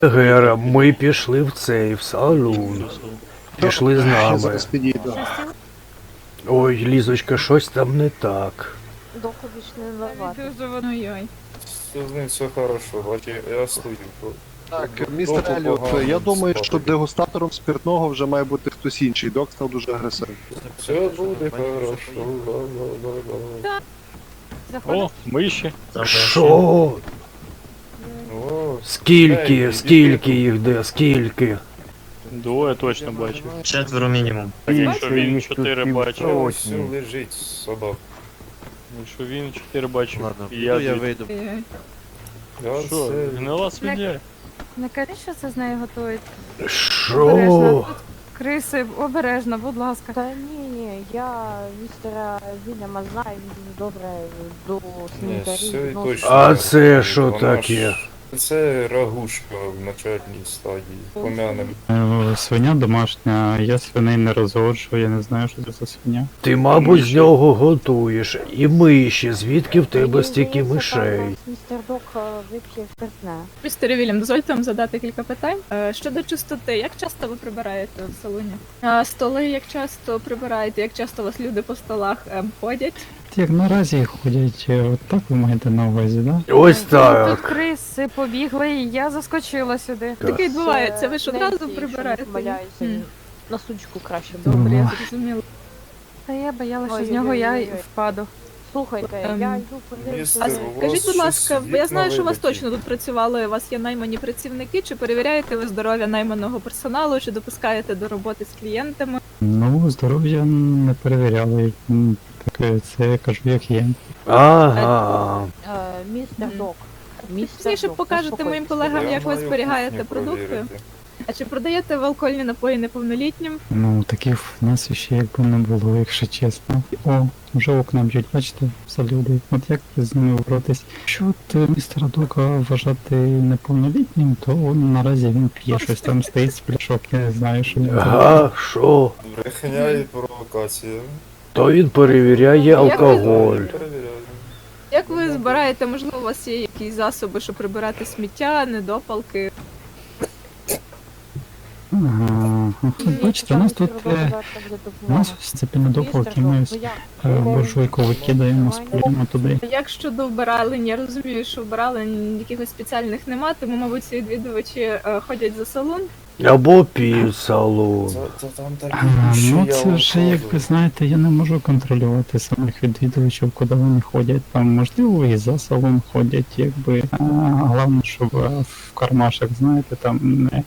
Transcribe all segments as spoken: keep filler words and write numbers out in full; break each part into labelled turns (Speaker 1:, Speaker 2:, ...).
Speaker 1: Гера, ми пішли в цей, в салон. Пішли з
Speaker 2: Я
Speaker 1: нами.
Speaker 2: зараз підійду.
Speaker 1: Ой, Лізочка, щось там не так.
Speaker 3: Доку вічно не ладно.
Speaker 4: Ой-ой.
Speaker 5: З ним все хорошо, бачи, я стою.
Speaker 2: Так,
Speaker 5: Доку
Speaker 2: містер Еліот,
Speaker 5: погано
Speaker 2: я думаю,
Speaker 5: спати.
Speaker 2: що дегустатором спиртного вже має бути хтось інший. Док став дуже агресивним.
Speaker 5: Все буде хорошо. Ла-ла-ла-ла.
Speaker 4: Заходиш?
Speaker 6: О, миші.
Speaker 1: Що?
Speaker 5: О,
Speaker 1: Скільки,
Speaker 5: Ей,
Speaker 1: скільки
Speaker 5: іди.
Speaker 1: їх де, скільки?
Speaker 6: Двоє точно бачив.
Speaker 7: Четверо мінімум.
Speaker 6: Так якщо він чотири бачив,
Speaker 5: ось все лежить собак.
Speaker 6: якщо він чотири бачив,
Speaker 8: Ладно,
Speaker 6: і
Speaker 8: піду
Speaker 6: я
Speaker 8: я
Speaker 6: дві.
Speaker 8: вийду.
Speaker 4: Ой-ой.
Speaker 5: Я
Speaker 6: Що,
Speaker 5: це...
Speaker 6: гнила свиня?
Speaker 4: Не кажи, що це з нею готують.
Speaker 1: Що?
Speaker 4: Обережно. Криси, обережно, будь ласка.
Speaker 3: Та ні, ні, я містера Вільяма знаю, він дуже добре до
Speaker 5: Ні, все
Speaker 3: санітарів
Speaker 5: і
Speaker 3: відноситься.
Speaker 5: точно.
Speaker 1: А це що
Speaker 5: Вона
Speaker 1: таке?
Speaker 5: ж- Це рагушка в начальній стадії. Помянем.
Speaker 9: Е, Свиня домашня, я свиней не розгоджую, я не знаю, що це за свиня.
Speaker 1: Ти, мабуть, з
Speaker 6: Миші.
Speaker 1: нього готуєш. І миші, звідки в тебе
Speaker 3: Мені
Speaker 1: стільки
Speaker 3: здається, там
Speaker 1: мишей?
Speaker 3: у нас Містер Док е, вип'є спиртне.
Speaker 4: Містер Вільям, дозвольте вам задати кілька питань. Е, Щодо чистоти, як часто ви прибираєте в салоні? А столи як часто прибираєте, як часто у вас люди по столах ем, ходять?
Speaker 9: Як наразі ходять, е, от так ви маєте на увазі, да?
Speaker 1: Ось
Speaker 4: Тут
Speaker 1: так.
Speaker 4: криси побігли, і я заскочила сюди.
Speaker 1: Так.
Speaker 4: Таке відбувається, ви ж
Speaker 3: Це
Speaker 4: одразу
Speaker 3: Ненсі, якщо не
Speaker 4: прибираєте.
Speaker 3: помиляюся,
Speaker 4: М.
Speaker 3: на сучку краще
Speaker 9: Добре.
Speaker 3: було.
Speaker 4: Добре, я зрозуміла. Та я боялася, що з нього я й
Speaker 3: Ой-ой-ой-ой.
Speaker 4: впаду.
Speaker 3: Слухайте,
Speaker 4: Ем,
Speaker 3: я йду подивитися.
Speaker 4: А
Speaker 5: Містер, у
Speaker 4: скажіть,
Speaker 5: вас
Speaker 4: будь ласка,
Speaker 5: щось
Speaker 4: я знаю, що у вас
Speaker 5: вікна
Speaker 4: точно тут працювали, у вас є наймані працівники, чи перевіряєте ви здоров'я найманого персоналу, чи допускаєте до роботи з клієнтами?
Speaker 9: Ну, здоров'я не перевіряли. М, Таке, це я кажу, як є.
Speaker 1: Ага.
Speaker 3: Е, Містер
Speaker 4: Мгм.
Speaker 3: Док. Містер
Speaker 4: Пізніше
Speaker 3: Док,
Speaker 4: покажете моїм
Speaker 3: заспокойтеся.
Speaker 4: колегам,
Speaker 5: Я
Speaker 4: як ви
Speaker 5: маю
Speaker 4: зберігаєте
Speaker 5: кухню
Speaker 4: продукти.
Speaker 5: провірити.
Speaker 4: А чи продаєте ви алкогольні напої неповнолітнім?
Speaker 9: Ну, таких в нас ще якби не було, якщо чесно. О, вже окна б'ють, бачите, все люди. От як з ними боротись? Якщо от е, містера Дока вважати неповнолітнім, то он, наразі він п'є щось там стоїть з пляшок, я не знаю, що він робить.
Speaker 1: Ага, що?
Speaker 5: Брехня і провокація.
Speaker 1: То він перевіряє алкоголь.
Speaker 5: Перевіряю.
Speaker 4: Як ви збираєте, можливо, у вас є якісь засоби, щоб прибирати сміття, недопалки?
Speaker 9: Ага, от бачите, у нас тут е, у нас ось ці недопалки, ми ось е, буржуйку викидаємо, спалюємо туди.
Speaker 4: Як щодо вбиралень, я розумію, що вбиралень якихось спеціальних нема, тому, мабуть, ці відвідувачі е, ходять за салон.
Speaker 1: Або пів салон.
Speaker 5: Це, це там такі
Speaker 9: А,
Speaker 5: що
Speaker 9: ну
Speaker 5: я
Speaker 9: це
Speaker 5: вам
Speaker 9: вже,
Speaker 5: кажу.
Speaker 9: як ви знаєте, я не можу контролювати самих відвідувачів, куди вони ходять. Там можливо і за салон ходять, якби. А, головне, щоб е, в кармашах, знаєте, там не.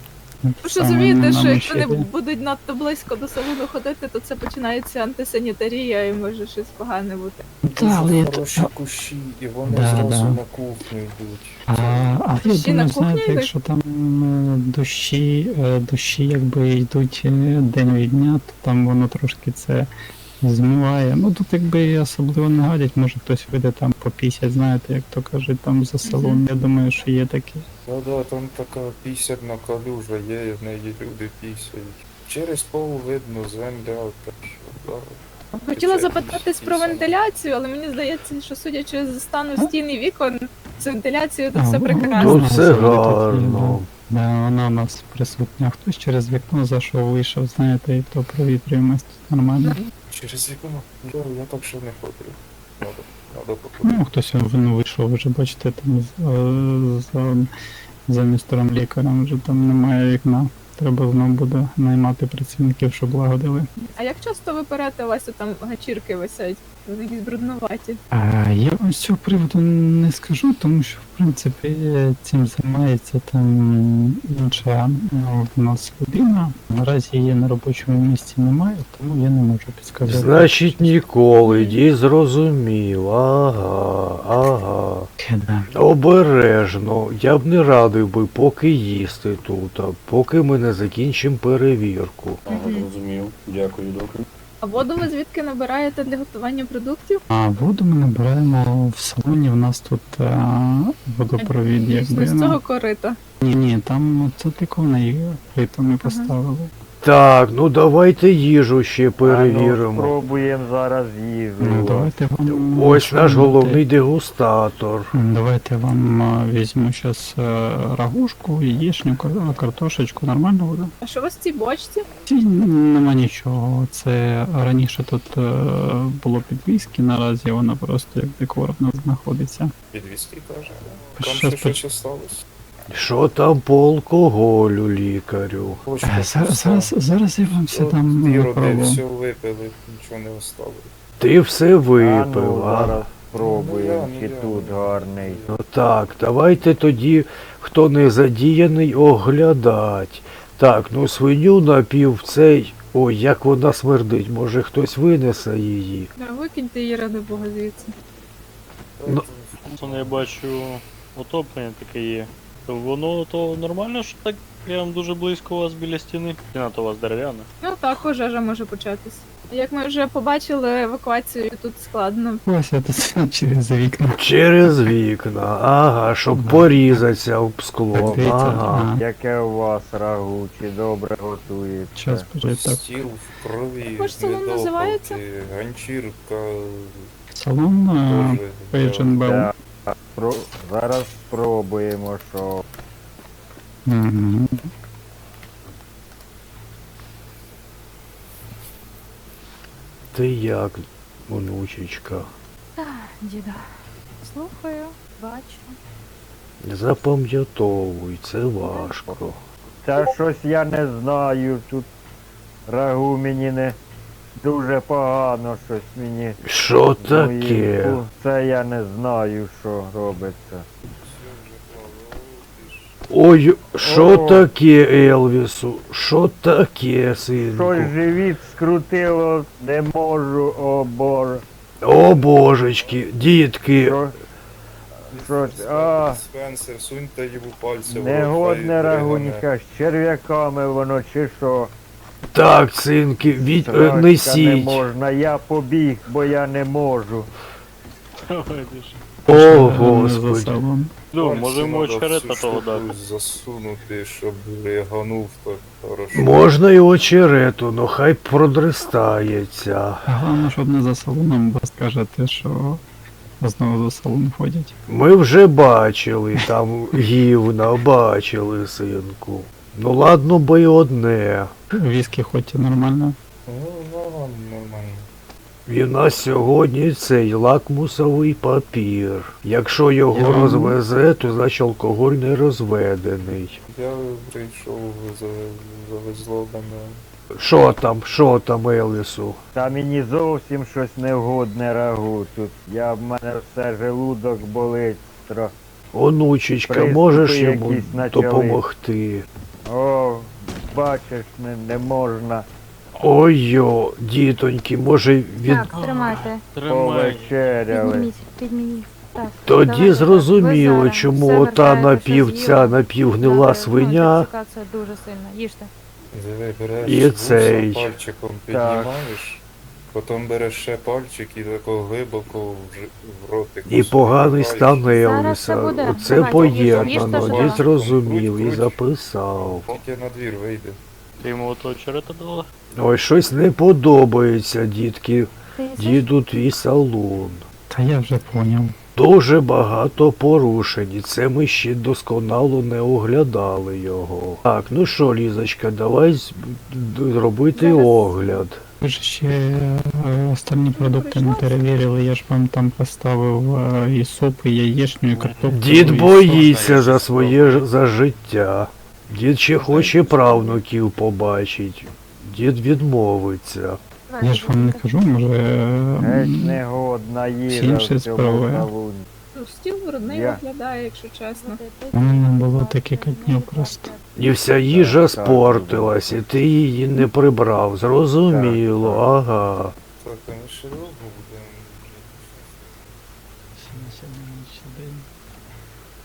Speaker 4: Ви ж
Speaker 9: саме
Speaker 4: розумієте,
Speaker 9: не
Speaker 4: що якщо вони
Speaker 9: намочити.
Speaker 4: будуть надто близько до салону ходити, то це починається антисанітарія і може щось погане бути.
Speaker 9: Та, але я
Speaker 5: Хороші
Speaker 9: то-
Speaker 5: кущі, і вони
Speaker 9: Да,
Speaker 5: зразу
Speaker 9: да.
Speaker 5: на кухню йдуть.
Speaker 9: А, а я
Speaker 4: Ще на
Speaker 9: думаю,
Speaker 4: кухні
Speaker 9: знаєте,
Speaker 4: йдуть?
Speaker 9: якщо там е, дощі, е, дощі якби йдуть е, день від дня, то там воно трошки це змиває. Ну тут якби і особливо не гадять, може хтось вийде там по п'ятдесят, знаєте, як то кажуть, там за салон. Я думаю, що є такі.
Speaker 5: Да-да, там така пісядна калюжа є, і в неї люди пісяють. Через пол видно земля, так що, да.
Speaker 4: Хотіла
Speaker 5: Це
Speaker 4: запитатись про
Speaker 5: пісня.
Speaker 4: вентиляцію, але мені здається, що судячи з стану стін і вікон, з вентиляцією тут
Speaker 9: А,
Speaker 4: все
Speaker 9: ну,
Speaker 4: прекрасно.
Speaker 1: Тут
Speaker 9: Ага,
Speaker 1: все
Speaker 9: завжди тут є,
Speaker 1: гарно.
Speaker 9: Да, вона у нас присутня. Хтось через вікно зайшов, вийшов, знаєте, і то провітрюємось тут нормально.
Speaker 5: Через вікно? Я, я так ще не ходив. Надо, надо походити.
Speaker 9: Ну, хтось він вийшов, вже бачите, там з- е, за, за містером лікарем вже там немає вікна. Треба знову буде наймати працівників, щоб лагодили.
Speaker 4: А як часто ви перете, у вас тут там гачірки висять, вони якісь брудноваті?
Speaker 9: А я вам з цього приводу не скажу, тому що в принципі цим займається там інша ну, в нас людина. Наразі її на робочому місці немає, тому я не можу підсказати.
Speaker 1: Значить, ніколи, дій зрозумів. Ага, ага.
Speaker 9: Да.
Speaker 1: Обережно. Я б не радив би поки їсти тут, а поки ми не закінчимо перевірку.
Speaker 4: Мгм.
Speaker 5: Розумів. Дякую, добре.
Speaker 4: А воду ви звідки набираєте для готування продуктів?
Speaker 9: А воду ми набираємо в салоні, в нас тут а, водопровід,
Speaker 4: Дійсно,
Speaker 9: якби.
Speaker 4: з
Speaker 9: ну.
Speaker 4: цього корита.
Speaker 9: Ні, ні, там це тиконий плиту ми поставили.
Speaker 1: Так, ну давайте їжу ще
Speaker 7: А ну,
Speaker 1: перевіримо.
Speaker 7: спробуємо зараз їжу.
Speaker 9: Ну, давайте вам...
Speaker 1: Ось
Speaker 9: що
Speaker 1: наш
Speaker 9: ви
Speaker 1: головний дегустатор.
Speaker 9: М, Давайте вам а, візьму зараз рагушку, яєчню, кар- картошечку, нормально буде?
Speaker 4: А що у вас в цій бочці?
Speaker 9: Ці н- нема нічого. Це раніше тут е, було під віскі, наразі воно просто як декор в нас знаходиться.
Speaker 5: Підвізки каже.
Speaker 9: Щас
Speaker 5: Там ще
Speaker 9: по-
Speaker 5: щось осталось.
Speaker 1: Що там по алкоголю, лікарю?
Speaker 5: Почка
Speaker 9: Е, Зараз,
Speaker 5: пуста.
Speaker 9: зараз, зараз я вам все там
Speaker 5: От, Іроди
Speaker 9: виправлю.
Speaker 5: все випили, нічого не осталось.
Speaker 1: Ти все
Speaker 7: А ну,
Speaker 1: випив, а?
Speaker 7: зараз спробуємо,
Speaker 5: Ну, я,
Speaker 7: чи
Speaker 5: ну, я.
Speaker 7: тут гарний.
Speaker 1: Ну так, давайте тоді, хто не задіяний, оглядать. Так, ну свиню напів цей. Ой, як вона смердить, може хтось винесе її.
Speaker 4: Да, викиньте її ради Бога звідси.
Speaker 1: Ну.
Speaker 6: Це я бачу отоплення таке є. То воно то нормально, що так прям дуже близько у вас біля стіни? Стіна то у вас дерев'яна.
Speaker 4: Ну так, пожежа може початись. Як ми вже побачили, евакуацію тут складно.
Speaker 9: Ось я тут через вікна.
Speaker 1: Через вікна, ага, щоб
Speaker 9: Да.
Speaker 1: порізатися об скло.
Speaker 9: Так, дивіться,
Speaker 1: Ага.
Speaker 9: а,
Speaker 7: Яке у вас рагу, чи добре готуєте?
Speaker 9: час почать так.
Speaker 5: Стіл в крові,
Speaker 4: Як ж салон
Speaker 5: недопалки,
Speaker 4: називається?
Speaker 5: ганчірка,
Speaker 9: Салон е,
Speaker 5: теж.
Speaker 9: Page and Bell.
Speaker 7: Так, спро- зараз спробуємо, що
Speaker 9: Мгм.
Speaker 1: Ти як, онучечка?
Speaker 3: Діда. Слухаю, бачу.
Speaker 1: Запам'ятовуй, це важко.
Speaker 7: Та щось я не знаю, тут рагу мені не дуже погано, щось мені.
Speaker 1: Що
Speaker 7: з
Speaker 1: таке?
Speaker 7: моїм- Це я не знаю, що робиться.
Speaker 1: Ой, що
Speaker 7: О.
Speaker 1: таке, Елвісу? Що таке, синку?
Speaker 7: Щось живіт скрутило, не можу, о боже.
Speaker 1: О божечки, дітки,
Speaker 7: Що, щось, а,
Speaker 5: Спенсер, суньте йому пальці. в рот,
Speaker 7: негодне
Speaker 5: хай
Speaker 7: рагуніка, з черв'яками воно чи що.
Speaker 1: так, синки, від... е,
Speaker 7: Срачка не
Speaker 1: несіть.
Speaker 7: можна, я побіг, бо я не можу.
Speaker 6: Ой, ти ж.
Speaker 1: О,
Speaker 9: Е, За
Speaker 1: господи.
Speaker 9: салон.
Speaker 6: Ну,
Speaker 5: Пальці
Speaker 6: можемо
Speaker 5: надо
Speaker 6: очерета
Speaker 5: всю
Speaker 6: того
Speaker 5: штуку
Speaker 6: дати.
Speaker 5: засунути, щоб риганув так хорошо.
Speaker 1: Можна й очерету, но хай продрестається.
Speaker 9: Головне, щоб не за салоном, бо скажете, що знову за салон ходять.
Speaker 1: Ми вже бачили там гівна, бачили, синку. Ну ладно би й одне.
Speaker 9: Віскі хоч і нормально.
Speaker 5: Ну, нормально, нормально.
Speaker 1: І в нас сьогодні цей лакмусовий папір. Якщо його
Speaker 9: Я-
Speaker 1: розвезе, то значить алкоголь не розведений.
Speaker 5: Я прийшов, за- завезло мене.
Speaker 1: Що там, що там, Елісу?
Speaker 7: Та мені зовсім щось невгодне рагу тут. Я в мене все желудок болить. Тро...
Speaker 1: Онучечка,
Speaker 7: Приступи
Speaker 1: можеш йому
Speaker 7: якісь почали.
Speaker 1: допомогти?
Speaker 7: О, бачиш, не, не можна
Speaker 1: Ой-йо, дітоньки, може від...
Speaker 3: Так, тримайте.
Speaker 6: Тримай.
Speaker 7: повечеряли.
Speaker 3: Підніміть, підніміть. Так,
Speaker 1: Тоді
Speaker 3: давайте,
Speaker 1: зрозуміло,
Speaker 3: ви зараз
Speaker 1: чому
Speaker 3: все
Speaker 1: ота
Speaker 3: вертаєте, що
Speaker 1: напів, ця
Speaker 3: з'їли.
Speaker 1: напівгнила
Speaker 3: Добре,
Speaker 1: свиня.
Speaker 3: Ну, інтоксикація дуже сильна. Їжте.
Speaker 5: Диви, береш
Speaker 1: І
Speaker 5: вуса,
Speaker 1: цей.
Speaker 5: пальчиком піднімаєш, потім береш ще пальчик і тако глибоко в, ж- в ротик.
Speaker 1: І поганий стан
Speaker 3: Зараз
Speaker 1: Елвіса.
Speaker 3: все буде.
Speaker 1: Оце
Speaker 3: Давайте,
Speaker 1: поєднано,
Speaker 3: їжте,
Speaker 1: дід
Speaker 3: їжте.
Speaker 1: зрозумів і
Speaker 5: Круть, круть.
Speaker 1: записав.
Speaker 5: Тільки на двір вийде.
Speaker 6: Ти йому ото очерета дала?
Speaker 1: Ой, щось не подобається, дітки.
Speaker 3: Ти їсиш?
Speaker 1: Діду твій салон.
Speaker 9: Та я вже поняв.
Speaker 1: Дуже багато порушень, і це ми ще досконало не оглядали його. Так, ну що, Лізочка, давай з- д- робити
Speaker 3: Зараз.
Speaker 1: огляд.
Speaker 9: Ви ж ще е, остальні продукти не перевірили, я ж вам там поставив е, і суп, і яєчню, і картоплю.
Speaker 1: Дід
Speaker 9: і
Speaker 1: боїться
Speaker 6: я
Speaker 1: за
Speaker 6: щось
Speaker 1: своє ж- за життя. Дід ще хоче правнуків побачить. Дід відмовиться.
Speaker 9: Я ж вам не кажу, може. е,
Speaker 7: Геть негодна їжа
Speaker 9: інші
Speaker 7: в цьому
Speaker 9: справи.
Speaker 7: салоні.
Speaker 4: Ну, стіл брудний
Speaker 7: Я-
Speaker 4: виглядає, якщо чесно.
Speaker 9: У мене було таке катнів просто.
Speaker 1: І вся їжа
Speaker 7: Так, так.
Speaker 1: спортилась, і ти її не прибрав. Зрозуміло,
Speaker 7: Так, так.
Speaker 1: ага.
Speaker 5: Так, а ми ще довго будемо.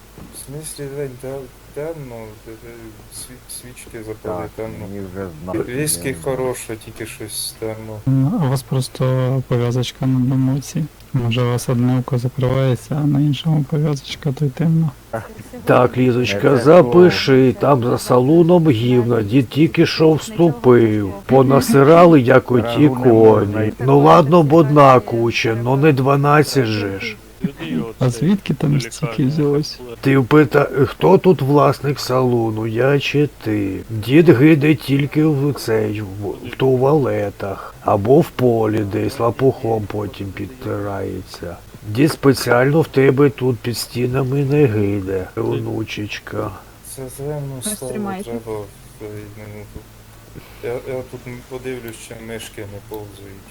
Speaker 5: В смислі, Жень, те- темно, те- те сві- свічки запали
Speaker 7: Так,
Speaker 5: темно.
Speaker 7: мені вже знати.
Speaker 5: Віскі хороше, тільки щось темно.
Speaker 9: Ну, а у вас просто пов'язочка на одному оці. Може у вас одне око закривається, а на іншому пов'язочка, то й темно.
Speaker 1: Так, Лізочка,
Speaker 7: Не те
Speaker 1: запиши, там за салуном гівна, дід тільки що вступив. Понасирали, як оті
Speaker 7: Рагу не можна
Speaker 1: коні.
Speaker 7: йти.
Speaker 1: Ну ладно б одна куча, ну не дванадцять же ж.
Speaker 9: А звідки там стільки взялось?
Speaker 1: Ти впита, хто тут власник салону, я чи ти? Дід гиде тільки в цей, в, в туалетах, або в полі десь лапухом потім підтирається. Дід спеціально в тебе тут під стінами не гиде, онучечка.
Speaker 5: Це темно
Speaker 4: Ось
Speaker 5: стало,
Speaker 4: тримайте.
Speaker 5: треба в цей минуту. Я, я тут подивлюсь, чи мишки не повзають.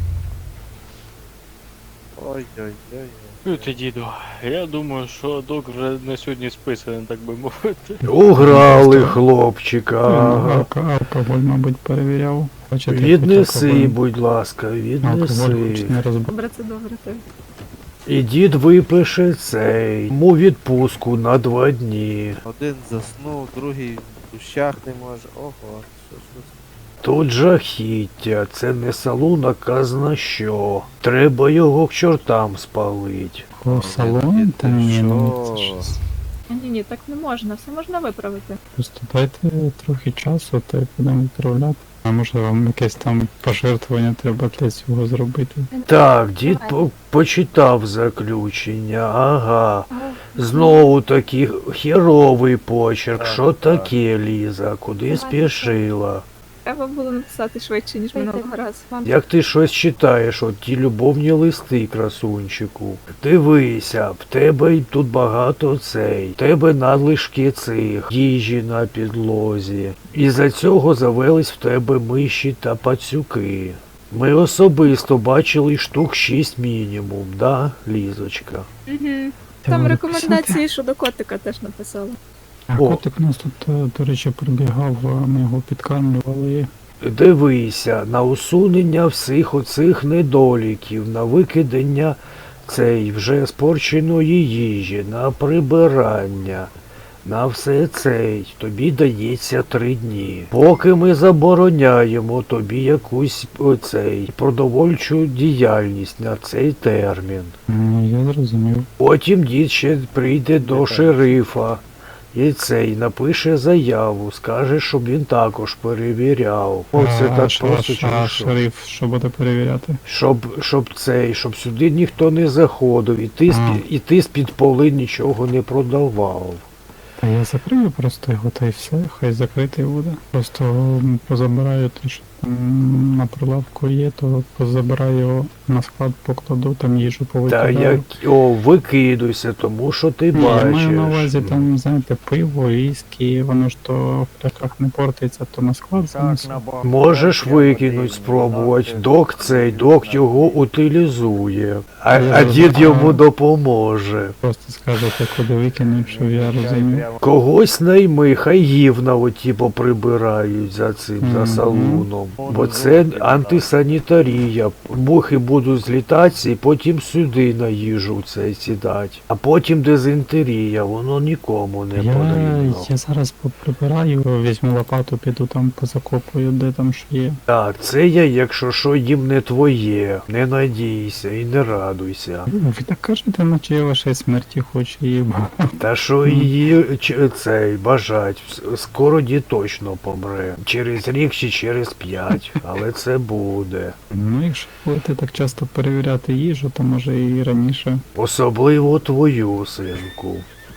Speaker 2: Ой-ой-ой.
Speaker 6: Чуєте, діду, я думаю, що док вже на сьогодні списаний, так би мовити.
Speaker 1: Уграли хлопчика. Ага.
Speaker 9: Алко- алкоголь, мабуть, перевіряв. Бачите,
Speaker 1: Віднеси,
Speaker 9: алкоголь-
Speaker 1: будь ласка,
Speaker 9: Алкоголь хоч
Speaker 1: віднеси.
Speaker 9: не розбив.
Speaker 4: Добре, це добре, так.
Speaker 1: І дід випише цей, йому відпустку на два дні.
Speaker 8: Один заснув, другий в душах не може. Ого, що ж ви.
Speaker 1: Тут жахіття, це не салон, а казна що. Треба його к чортам спалить.
Speaker 9: О, салон? Та ні, ну
Speaker 8: Що?
Speaker 9: це щось.
Speaker 4: Ні, ні, так не можна, все можна виправити.
Speaker 9: Просто дайте трохи часу, та й будемо відправляти. А може вам якесь там пожертвування треба для цього зробити?
Speaker 1: Так, дід по- почитав заключення, ага. Знову таки херовий почерк.
Speaker 5: Так,
Speaker 1: Що
Speaker 5: так.
Speaker 1: таке, Ліза? Куди спішила?
Speaker 4: Треба було написати швидше, ніж минулого разу.
Speaker 1: Як ти щось читаєш, от ті любовні листи, красунчику. Дивися, в тебе й тут багато цей, в тебе надлишки цих, їжі на підлозі. І за цього завелись в тебе миші та пацюки. Ми особисто бачили штук шість мінімум, да, Лізочка?
Speaker 4: Угу.
Speaker 9: Треба
Speaker 4: Там
Speaker 9: написати.
Speaker 4: рекомендації щодо котика теж написали.
Speaker 9: А
Speaker 1: О.
Speaker 9: котик у нас тут, е, до речі, прибігав, а ми його підкармлювали.
Speaker 1: Дивися на усунення всіх оцих недоліків, на викидання цей вже спорченої їжі, на прибирання, на все цей. Тобі дається три дні. Поки ми забороняємо тобі якусь оцей продовольчу діяльність на цей термін.
Speaker 9: Ну, я зрозумів.
Speaker 1: Потім дід ще прийде до шерифа. І цей напише заяву, скаже, щоб він також перевіряв. О, це
Speaker 9: А,
Speaker 1: так
Speaker 9: ш-
Speaker 1: просто
Speaker 9: а,
Speaker 1: чи
Speaker 9: а
Speaker 1: що?
Speaker 9: шериф, що буде перевіряти?
Speaker 1: Щоб, щоб цей, щоб сюди ніхто не заходив, і ти,
Speaker 9: А.
Speaker 1: з-під- і ти з-під поли нічого не продавав.
Speaker 9: Та я закрию просто його, та й все, хай закритий буде. Просто м, позабираю те, що там на прилавку є, то позабираю його на склад, покладу, там їжу
Speaker 1: Та
Speaker 9: повикидаю.
Speaker 1: як, о, викидуйся, тому що ти
Speaker 9: Ні,
Speaker 1: бачиш.
Speaker 9: я маю на увазі там, знаєте, пиво, віскі, воно ж то в пляшках не портиться, то на склад
Speaker 7: Так,
Speaker 9: занесу.
Speaker 7: на бок.
Speaker 1: Можеш
Speaker 7: Я
Speaker 1: викинуть,
Speaker 7: потрібно
Speaker 1: спробувати.
Speaker 7: додати.
Speaker 1: Док цей, док його утилізує. А,
Speaker 9: Я
Speaker 1: а дід
Speaker 9: розумію.
Speaker 1: йому допоможе.
Speaker 9: Просто скажете, куди викинуть, щоб я
Speaker 7: Чай
Speaker 9: розумів.
Speaker 7: прямо.
Speaker 1: Когось найми, хай гівна оті поприбирають за цим, за
Speaker 9: Мгм.
Speaker 1: салоном. Бо це антисанітарія. Мухи будуть злітатися і потім сюди на їжу це сідать. А потім дизентерія, воно нікому не
Speaker 9: Я,
Speaker 1: потрібно.
Speaker 9: я зараз поприбираю, візьму лопату, піду там позакопую, де там що є.
Speaker 1: Так, це я, якщо що, їм не твоє. Не надійся і не радуйся.
Speaker 9: Ви так кажете, наче я вашої смерті хочу її.
Speaker 1: Та що її ч- цей бажать, с- скоро дід точно помре. Через рік чи через п'ять, але це буде.
Speaker 9: Ну, якщо будете так часто перевіряти їжу, то може і раніше.
Speaker 1: Особливо твою, синку.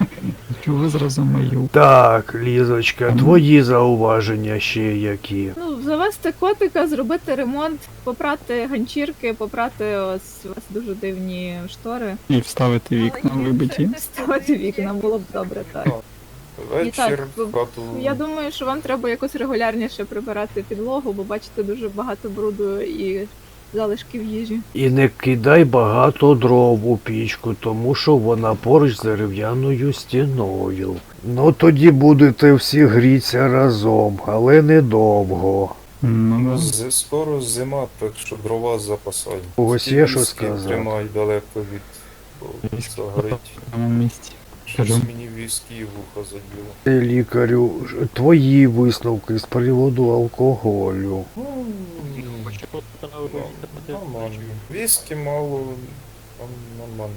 Speaker 9: Чого зразу мою?
Speaker 1: Так, Лізочка,
Speaker 9: Мгм.
Speaker 1: твої зауваження ще які.
Speaker 4: Ну, завести котика, зробити ремонт, попрати ганчірки, попрати ось у вас дуже дивні штори.
Speaker 9: І вставити вікна вибиті.
Speaker 4: Ставити вікна було б добре, так.
Speaker 5: Вечір
Speaker 4: так,
Speaker 5: в хату.
Speaker 4: Я думаю, що вам треба якось регулярніше прибирати підлогу, бо бачите дуже багато бруду і залишків їжі.
Speaker 1: І не кидай багато дров у пічку, тому що вона поруч з дерев'яною стіною. Ну тоді будете всі грітися разом, але недовго.
Speaker 9: Ну,
Speaker 5: Ну,
Speaker 9: да.
Speaker 5: з- скоро зима, так що дрова запасай.
Speaker 1: Когось
Speaker 5: Ті
Speaker 1: є що
Speaker 5: віскі
Speaker 1: сказати?
Speaker 5: Тримай далеко від бо
Speaker 9: Віскі
Speaker 5: загорить.
Speaker 9: в тому місці.
Speaker 5: Щось
Speaker 9: Кажу.
Speaker 5: мені віскі і вухо заділо.
Speaker 1: Е, Лікарю, ж- твої висновки з приводу алкоголю.
Speaker 5: Ну,
Speaker 6: Хочу поставити.
Speaker 5: нормально. Віскі мало, там нормально.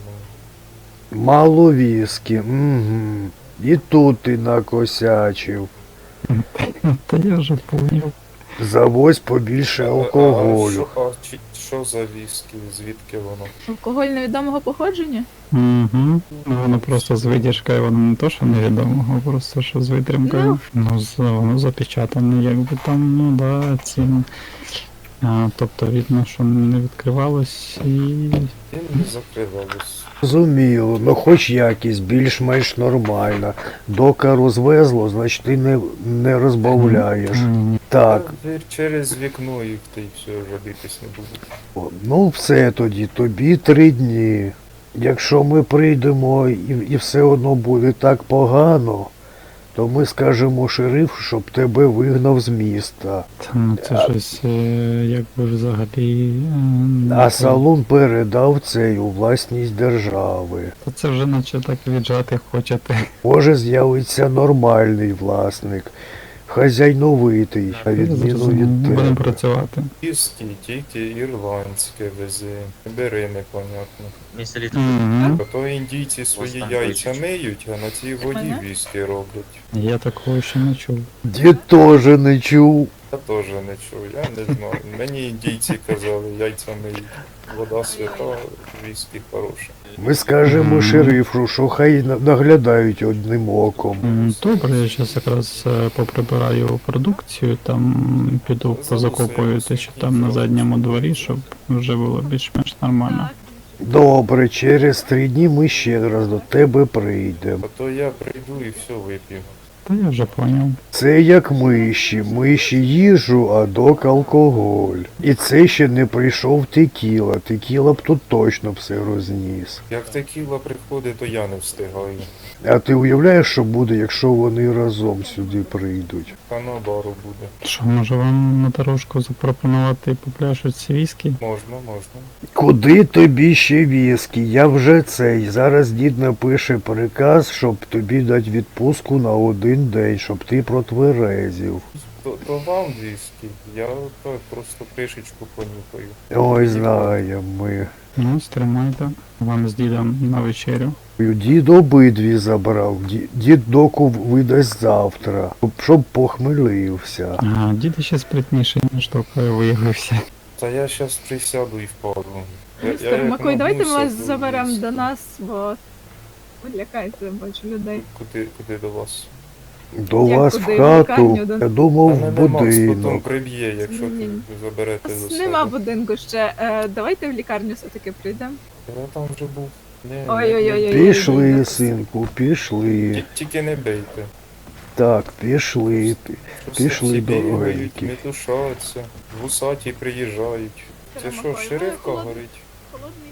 Speaker 1: Мало віскі, угу. І тут ти накосячив.
Speaker 9: Та я вже поняв.
Speaker 1: Завозь побільше
Speaker 5: А-
Speaker 1: алкоголю.
Speaker 5: А, що, а чи- що за віскі? Звідки воно?
Speaker 4: Алкоголь невідомого походження?
Speaker 9: Угу. Воно просто з видержкою, воно не то, що невідомого, просто що з витримкою. Ну, з- воно запечатане, якби там, ну да, ці. А, тобто видно, що не відкривалось і.
Speaker 5: Він не закривалось.
Speaker 1: Зрозуміло, ну хоч якість більш-менш нормальна. Доки розвезло, значить ти не, не розбавляєш.
Speaker 9: М,
Speaker 1: Так,
Speaker 5: Та, вір, через вікно їх та й все, вже битись не будуть.
Speaker 1: о, ну все тоді, тобі три дні. Якщо ми прийдемо і, і все одно буде так погано, то ми скажемо шерифу, щоб тебе вигнав з міста.
Speaker 9: Та, ну це щось е, якби взагалі. е, не
Speaker 1: А
Speaker 9: те.
Speaker 1: салон передав цей у власність держави.
Speaker 9: Та це вже наче так віджати хочете.
Speaker 1: Може з'явиться нормальний власник, хазяйновитий, на відміну
Speaker 9: Зрозумів.
Speaker 1: від
Speaker 9: Будемо
Speaker 1: тебе.
Speaker 9: працювати.
Speaker 5: Віскі тільки ірландське везе. Не бери непонятно.
Speaker 9: Угу.
Speaker 5: А то індійці свої яйця миють, а на цій воді
Speaker 4: Ага.
Speaker 5: віскі роблять.
Speaker 9: Я такого ще не чув.
Speaker 1: Дід теж не чув.
Speaker 5: Я теж не чув, я не знаю. Мені індійці казали, яйця миють. Вода свята, віскі хороше.
Speaker 1: Ми скажемо
Speaker 9: Мгм.
Speaker 1: шерифу, що хай на- наглядають одним оком.
Speaker 9: М, Добре, я зараз якраз е, поприбираю продукцію, там піду позакопую те, що там на задньому дворі, щоб вже було більш-менш нормально.
Speaker 1: Добре, через три дні ми ще раз до тебе прийдемо.
Speaker 5: А то я прийду і все вип'ю.
Speaker 9: Та я вже поняв.
Speaker 1: Це як миші, миші їжу, а док алкоголь. І це ще не прийшов текіла, текіла б тут точно все розніс.
Speaker 5: Як текіла приходить, то я не встигаю.
Speaker 1: А ти уявляєш, що буде, якщо вони разом сюди прийдуть?
Speaker 5: Та на бару буде.
Speaker 9: Що, може вам на дорожку запропонувати по пляшу ці віскі?
Speaker 5: Можна, можна.
Speaker 1: Куди тобі ще віскі? Я вже цей. Зараз дід напише приказ, щоб тобі дати відпустку на один день, щоб ти протверезів.
Speaker 5: То, то вам віскі, я так просто кришечку понюхаю.
Speaker 1: Ой, знаємо ми.
Speaker 9: Ну, стримайте. Вам з дідом на вечерю.
Speaker 1: Дід обидві забрав. Ді- Дід доку видасть завтра, щоб похмелився.
Speaker 9: Ага, дід ще спритніший, ніж тільки виявився.
Speaker 5: Та я щас присяду і впаду. Я- я
Speaker 4: Містер
Speaker 5: як
Speaker 4: Макой, давайте ми
Speaker 5: нагнуся,
Speaker 4: вас
Speaker 5: то
Speaker 4: заберемо
Speaker 5: віскі.
Speaker 4: до нас, бо ви лякаєте, бачу людей.
Speaker 5: Куди, куди до вас?
Speaker 1: До
Speaker 4: Як
Speaker 1: вас
Speaker 4: куди?
Speaker 1: в
Speaker 4: В
Speaker 1: хату,
Speaker 4: лікарню, да?
Speaker 1: я думав,
Speaker 5: Та
Speaker 1: в
Speaker 5: мене Макс потім
Speaker 1: будинок.
Speaker 5: приб'є, якщо
Speaker 4: Ні.
Speaker 5: ти заберете
Speaker 4: У
Speaker 5: до
Speaker 4: нас
Speaker 5: себе.
Speaker 4: нема будинку ще. Е, давайте в лікарню все-таки прийдемо.
Speaker 5: Я там вже був. Ні, ні,
Speaker 4: Ой-ой-ой.
Speaker 1: Пішли,
Speaker 4: Ой-ой-ой.
Speaker 1: синку, пішли.
Speaker 5: Ті- Тільки не бейте.
Speaker 1: Так, пішли.
Speaker 5: Просто
Speaker 1: Пішли,
Speaker 5: всі бігають,
Speaker 1: дорогенькі.
Speaker 5: метушаться, вусаті приїжджають. Це
Speaker 4: Містер
Speaker 5: що,
Speaker 4: Макой, ви
Speaker 5: шерифка
Speaker 4: холод-
Speaker 5: горить?
Speaker 4: Холодну